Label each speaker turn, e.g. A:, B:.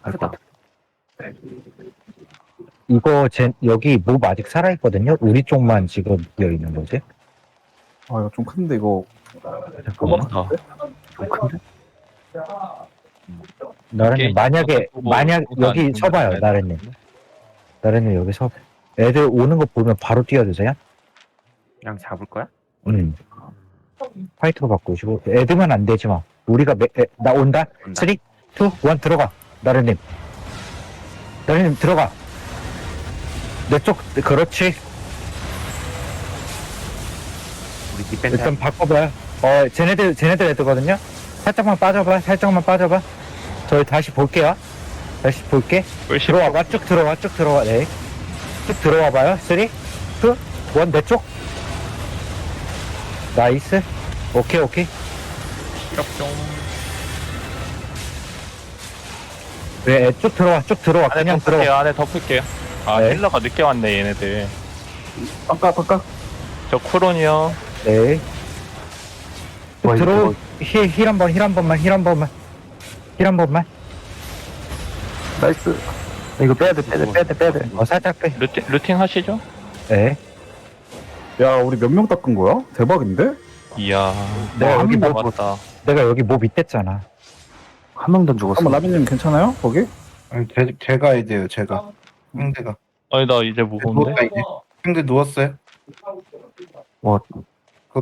A: 크다.
B: 이거 여기 몹 아직 살아있거든요? 우리 쪽만 지금 비어있는 거지?
C: 아 이거 좀 큰데 이거
B: 잠깐만.
A: 좀 큰데?
B: 나른님 만약 여기 서봐요. 나른님 여기 서. 애들 오는 거 보면 바로 뛰어주세요.
A: 그냥 잡을 거야?
B: 파이터로 바꾸시고 애들만 안 되지 마. 우리가 나 온다. 3, 2, 1 들어가. 나른님 들어가. 내 쪽 그렇지.
A: 우리 디펜스
B: 일단 바꿔봐요. 쟤네들 애들거든요. 살짝만 빠져봐. 저희 다시 볼게요. 들어와봐. 쭉 들어와. 네. 쭉 들어와봐요. 3, 2, 1 내 쪽. 나이스. 오케이.
D: 시럽 좀.
B: 네, 쭉 들어와.
D: 안에
B: 그냥
D: 덮을게요.
B: 들어와.
D: 안에 덮을게요. 아
B: 네.
D: 힐러가 늦게 왔네 얘네들.
C: 바깥
D: 저 쿠론이요.
B: 네.
A: 와,
B: 들어. 힐 한 번만.
C: 나이스.
A: 이거 빼야 돼.
B: 살짝 빼.
D: 루팅 하시죠?
B: 네.
C: 야 우리 몇 명 닦은 거야? 대박인데?
D: 이야.
B: 내가 여기
D: 뭐
B: 뭐
D: 왔다.
B: 내가 여기 몹 있댔잖아.
A: 한 명도 안 죽었어.
C: 한번 라비님 괜찮아요? 거기?
E: 아니, 제가 해야 돼요, 제가. 상대가.
D: 아니 나 이제 무거운데.
E: 누웠다, 이제. 상대 누웠어요?
A: 와,